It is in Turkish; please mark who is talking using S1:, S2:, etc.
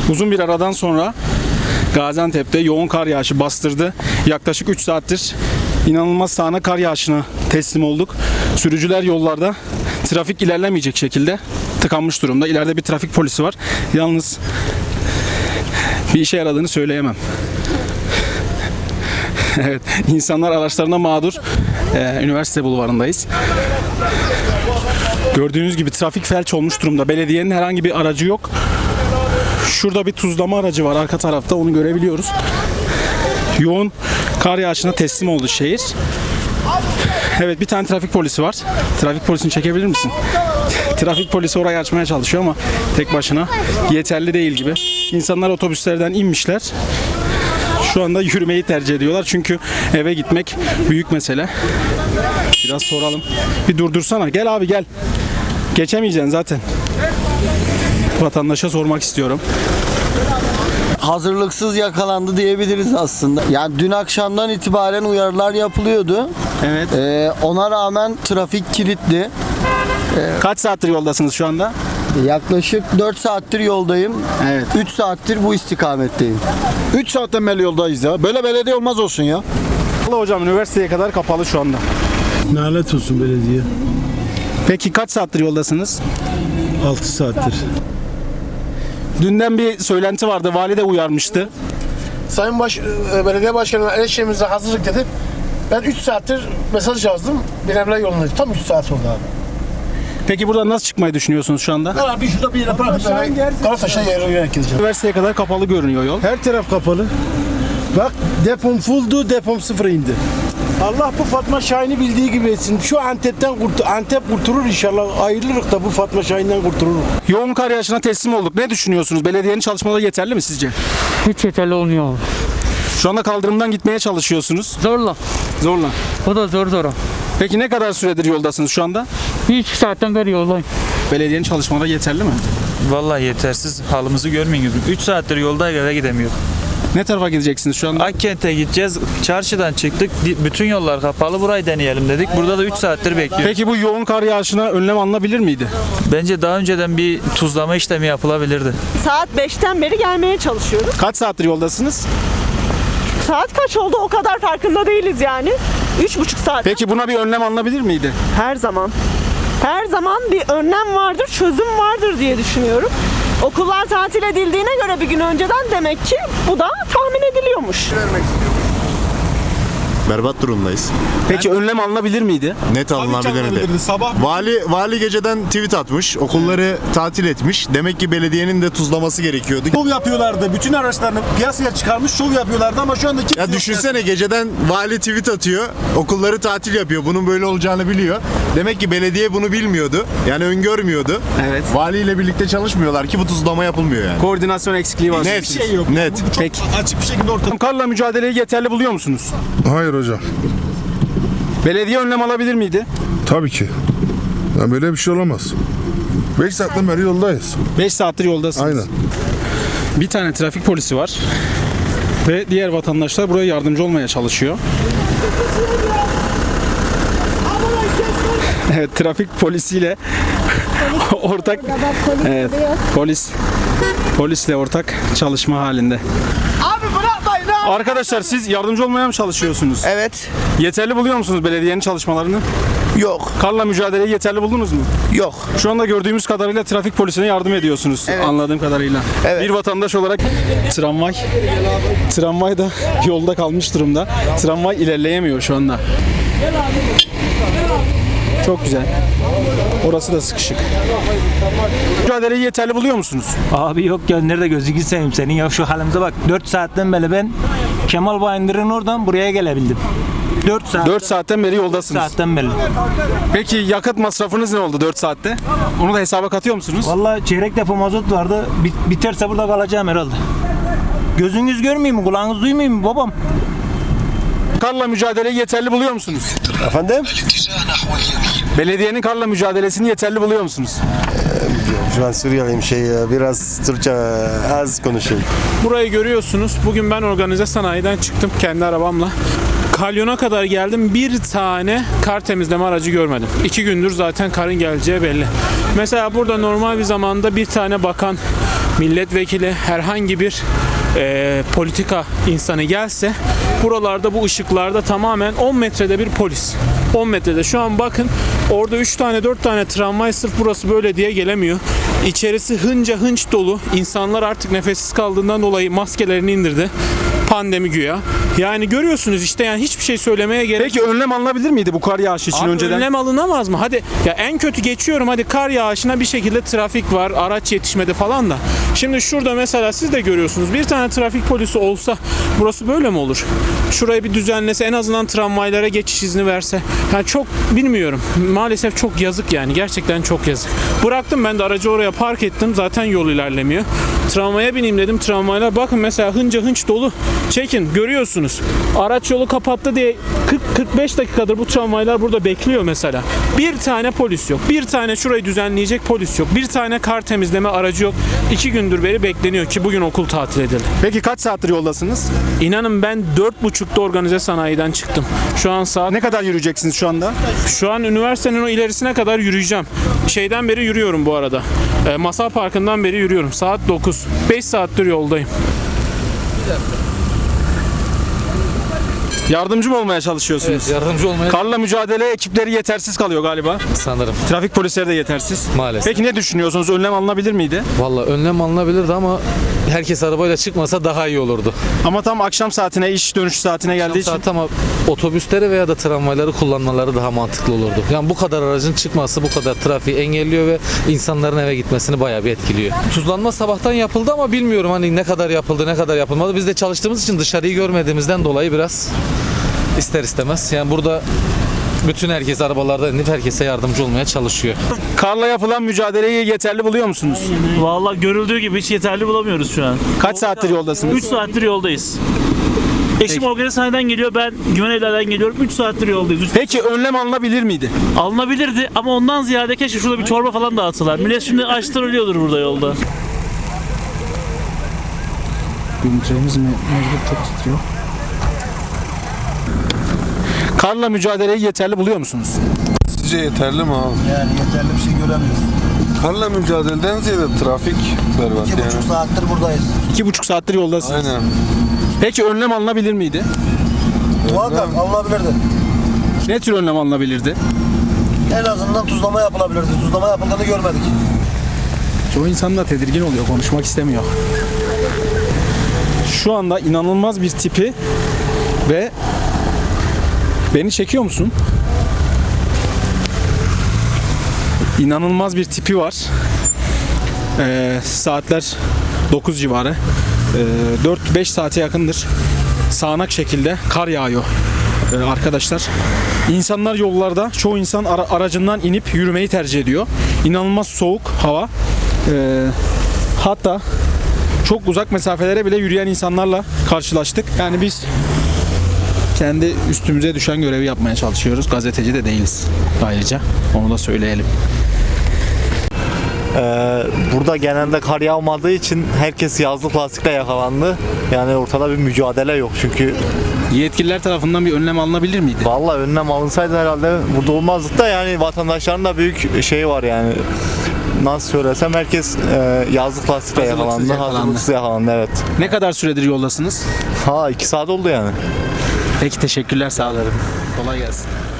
S1: Uzun bir aradan sonra Gaziantep'te yoğun kar yağışı bastırdı. Yaklaşık 3 saattir inanılmaz sağanak kar yağışına teslim olduk. Sürücüler yollarda trafik ilerlemeyecek şekilde tıkanmış durumda. İleride bir trafik polisi var. Yalnız bir işe yaradığını söyleyemem. Evet, insanlar araçlarına mağdur. Üniversite bulvarındayız. Gördüğünüz gibi trafik felç olmuş durumda. Belediyenin herhangi bir aracı yok. Şurada bir tuzlama aracı var arka tarafta, onu görebiliyoruz. Yoğun kar yağışına teslim oldu şehir. Evet, bir tane trafik polisi var. Trafik polisini çekebilir misin? Trafik polisi orayı açmaya çalışıyor ama tek başına yeterli değil gibi. İnsanlar otobüslerden inmişler. Şu anda yürümeyi tercih ediyorlar çünkü eve gitmek büyük mesele. Biraz soralım. Bir durdursana. Gel abi gel. Geçemeyeceksin zaten. Vatandaşa sormak istiyorum.
S2: Hazırlıksız yakalandı diyebiliriz aslında. Yani dün akşamdan itibaren uyarılar yapılıyordu.
S1: Evet.
S2: Ona rağmen trafik kilitli.
S1: Kaç saattir yoldasınız şu anda?
S2: Yaklaşık 4 saattir yoldayım.
S1: Evet.
S2: 3 saattir bu istikametteyim.
S3: 3 saatten beri yoldayız ya. Böyle belediye olmaz olsun ya.
S1: Vallahi hocam, üniversiteye kadar kapalı şu anda.
S4: Nalet olsun belediye.
S1: Peki kaç saattir yoldasınız?
S4: 6 saattir.
S1: Dünden bir söylenti vardı. Vali de uyarmıştı.
S5: Sayın Belediye Başkanı'na eleştirimize hazırlık dedi. Ben 3 saattir mesaj yazdım. Bilemler yolundayım. Tam 3 saat oldu abi.
S1: Peki buradan nasıl çıkmayı düşünüyorsunuz şu anda?
S5: Abi şurada bir yere bırakıp Karataş'a yere gideceğim.
S1: Üniversiteye kadar kapalı görünüyor yol.
S4: Her taraf kapalı. Bak, depom fulldu, depom sıfıra indi. Allah bu Fatma Şahin'i bildiği gibi etsin. Şu Antep kurtulur inşallah. Ayrılırız da bu Fatma Şahin'den kurtuluruz.
S1: Yoğun kar yağışına teslim olduk. Ne düşünüyorsunuz? Belediyenin çalışmaları yeterli mi sizce?
S6: Hiç yeterli olmuyor abi.
S1: Şu anda kaldırımdan gitmeye çalışıyorsunuz.
S6: Zorla.
S1: Zorla.
S6: O da zor zora.
S1: Peki ne kadar süredir yoldasınız şu anda?
S6: 3 saatten beri yoldayım.
S1: Belediyenin çalışmaları yeterli mi?
S7: Vallahi yetersiz. Halımızı görmeyin. 3 saattir yoldayız, eve gidemiyoruz.
S1: Ne tarafa gideceksiniz şu anda?
S7: Akkent'e gideceğiz. Çarşıdan çıktık. Bütün yollar kapalı. Burayı deneyelim dedik. Burada da 3 saattir bekliyoruz.
S1: Peki bu yoğun kar yağışına önlem alınabilir miydi?
S7: Bence daha önceden bir tuzlama işlemi yapılabilirdi.
S8: Saat 5'ten beri gelmeye çalışıyoruz.
S1: Kaç saattir yoldasınız?
S8: Saat kaç oldu o kadar farkında değiliz yani. 3,5 saat.
S1: Peki buna bir önlem alınabilir miydi?
S8: Her zaman. Her zaman bir önlem vardır, çözüm vardır diye düşünüyorum. Okullar tatil edildiğine göre bir gün önceden demek ki bu da tahmin ediliyormuş.
S9: Berbat durumdayız.
S1: Peki önlem alınabilir miydi?
S9: Net alınabilirdi. Vali geceden tweet atmış. Okulları tatil etmiş. Demek ki belediyenin de tuzlaması gerekiyordu.
S4: Şov yapıyorlardı. Bütün araçlarını piyasaya çıkarmış şov yapıyorlardı ama şu anda kimse
S9: Ya düşünsene, geceden vali tweet atıyor. Okulları tatil yapıyor. Bunun böyle olacağını biliyor. Demek ki belediye bunu bilmiyordu. Yani öngörmüyordu.
S1: Evet.
S9: Valiyle birlikte çalışmıyorlar ki bu tuzlama yapılmıyor yani.
S1: Koordinasyon eksikliği var.
S9: Net.
S4: şey yok.
S9: Net.
S1: Peki.
S4: açık bir şekilde ortada.
S1: Karla mücadeleyi yeterli buluyor musunuz?
S10: Hayır hocam.
S1: Belediye önlem alabilir miydi?
S10: Tabii ki. Ya böyle bir şey olamaz. 5 saatten beri yoldayız.
S1: 5 saattir yoldasınız.
S10: Aynen.
S1: Bir tane trafik polisi var. Ve diğer vatandaşlar buraya yardımcı olmaya çalışıyor. Evet, trafik polisiyle ortak evet, polisle ortak çalışma halinde.
S2: Abi bırakmayın abi.
S1: Arkadaşlar, siz yardımcı olmaya mı çalışıyorsunuz?
S2: Evet.
S1: Yeterli buluyor musunuz belediyenin çalışmalarını?
S2: Yok.
S1: Karla mücadeleyi yeterli buldunuz mu?
S2: Yok.
S1: Şu anda gördüğümüz kadarıyla trafik polisine yardım ediyorsunuz.
S2: Evet.
S1: Anladığım kadarıyla.
S2: Evet.
S1: Bir vatandaş olarak tramvay da yolda kalmış durumda. Tramvay ilerleyemiyor şu anda. Çok güzel. Orası da sıkışık. Mücadeleyi yeterli buluyor musunuz?
S11: Abi yok ya, nerede gözünü seveyim senin ya, şu halimize bak. 4 saatten beri ben Kemal Bayındır'ın oradan buraya gelebildim.
S1: 4 saatten beri yoldasınız.
S11: saatten beri.
S1: Peki yakıt masrafınız ne oldu 4 saatte? Onu da hesaba katıyor musunuz?
S11: Vallahi çeyrek depo mazot vardı. Biterse burada kalacağım herhalde. Gözünüz görmüyor mu? Kulağınız duymuyor mu babam?
S1: Karla mücadeleyi yeterli buluyor musunuz?
S3: Efendim?
S1: Belediyenin karla mücadelesini yeterli buluyor musunuz?
S3: Ben Suriyeliyim, biraz Türkçe az konuşuyorum.
S12: Burayı görüyorsunuz. Bugün ben organize sanayiden çıktım kendi arabamla. Kalyon'a kadar geldim. Bir tane kar temizleme aracı görmedim. 2 gündür zaten karın geleceği belli. Mesela burada normal bir zamanda bir tane bakan milletvekili, herhangi bir politika insanı gelse buralarda bu ışıklarda tamamen 10 metrede bir polis. 10 metrede. Şu an bakın orada 3 tane 4 tane tramvay sırf burası böyle diye gelemiyor. İçerisi hınca hınç dolu. İnsanlar artık nefessiz kaldığından dolayı maskelerini indirdi. Pandemi güya. Yani görüyorsunuz işte, yani hiçbir şey söylemeye gerek
S1: Peki önlem alınabilir miydi bu kar yağışı için
S12: Abi
S1: önceden?
S12: önlem alınamaz mı? Hadi ya en kötü geçiyorum, hadi kar yağışına bir şekilde trafik var, araç yetişmedi falan da. Şimdi şurada mesela siz de görüyorsunuz, bir tane trafik polisi olsa burası böyle mi olur? Şurayı bir düzenlese, en azından tramvaylara geçiş izni verse. Yani çok bilmiyorum. Maalesef çok yazık yani. Gerçekten çok yazık. Bıraktım ben de aracı oraya park ettim. Zaten yol ilerlemiyor. Tramvaya bineyim dedim. Tramvaylar bakın mesela hınca hınç dolu. Çekin görüyorsunuz. Araç yolu kapattı diye 40-45 dakikadır bu tramvaylar burada bekliyor mesela. Bir tane polis yok. Bir tane şurayı düzenleyecek polis yok. Bir tane kar temizleme aracı yok. 2 gündür beri bekleniyor ki bugün okul tatil edildi.
S1: Peki kaç saattir yoldasınız?
S12: İnanın ben 4.30'da organize sanayiden çıktım. Şu an saat...
S1: Ne kadar yürüyeceksiniz şu anda?
S12: Şu an üniversitenin o ilerisine kadar yürüyeceğim. Şeyden beri yürüyorum bu arada. Masal Parkı'ndan beri yürüyorum. Saat 9. 5 saattir yoldayım.
S1: Yardımcı mı olmaya çalışıyorsunuz?
S13: Evet, yardımcı olmaya
S1: Karla mücadele ekipleri yetersiz kalıyor galiba.
S13: sanırım
S1: Trafik polisleri de yetersiz.
S13: maalesef.
S1: Peki ne düşünüyorsunuz? Önlem alınabilir miydi?
S13: Valla önlem alınabilirdi ama herkes arabayla çıkmasa daha iyi olurdu.
S1: Ama tam akşam saatine, iş dönüş saatine geldiği için.
S13: Saat ama otobüsleri veya da tramvayları kullanmaları daha mantıklı olurdu. Yani bu kadar aracın çıkması bu kadar trafiği engelliyor ve insanların eve gitmesini bayağı bir etkiliyor. Tuzlanma sabahtan yapıldı ama bilmiyorum hani ne kadar yapıldı ne kadar yapılmadı. Biz de çalıştığımız için dışarıyı görmediğimizden dolayı biraz ister istemez. Yani burada bütün herkes arabalardan inip herkese yardımcı olmaya çalışıyor.
S1: Karla yapılan mücadeleyi yeterli buluyor musunuz?
S14: Vallahi görüldüğü gibi hiç yeterli bulamıyoruz şu an.
S1: Kaç saattir yoldasınız?
S14: 3 saattir yoldayız. Eşim organizasyondan geliyor, ben Güvenevler'den geliyorum. 3 saattir yoldayız.
S1: Peki önlem alınabilir miydi?
S14: Alınabilirdi ama ondan ziyade keşke şurada bir çorba falan dağıtsalar. Millet şimdi açtan ölüyordur burada yolda.
S1: Günümüzümüz mecbur çok titriyor. Karla mücadeleyi yeterli buluyor musunuz?
S10: Sizce yeterli mi abi?
S2: Yani yeterli bir şey göremiyoruz.
S10: Karla mücadeleden ziyade trafik berbat
S2: 2,5 saattir buradayız.
S1: 2,5 saattir yoldasınız.
S10: Aynen.
S1: Peki önlem alınabilir miydi?
S2: Muhakkak alınabilirdi.
S1: Ne tür önlem alınabilirdi?
S2: En azından tuzlama yapılabilirdi. Tuzlama yapıldığını görmedik.
S1: Çoğu insan da tedirgin oluyor, konuşmak istemiyor. Şu anda inanılmaz bir tipi ve beni çekiyor musun? İnanılmaz bir tipi var. Saatler 9 civarı. 4-5 saate yakındır. Sağanak şekilde kar yağıyor. Arkadaşlar. İnsanlar yollarda, çoğu insan aracından inip yürümeyi tercih ediyor. İnanılmaz soğuk hava. Hatta çok uzak mesafelere bile yürüyen insanlarla karşılaştık. Yani biz kendi üstümüze düşen görevi yapmaya çalışıyoruz. Gazeteci de değiliz ayrıca. Onu da söyleyelim.
S15: Burada genelde kar yağmadığı için herkes yazlık lastikle yakalandı. Yani ortada bir mücadele yok çünkü.
S1: Yetkililer tarafından bir önlem alınabilir miydi?
S15: Vallahi önlem alınsaydı herhalde burada olmazdık da yani vatandaşların da büyük şeyi var yani. Nasıl söylesem herkes yazlık lastikle yakalandı. Hazırlıksız yakalandı evet.
S1: Ne kadar süredir yoldasınız?
S15: 2 saat oldu yani.
S1: Peki teşekkürler, sağ olun. Kolay gelsin.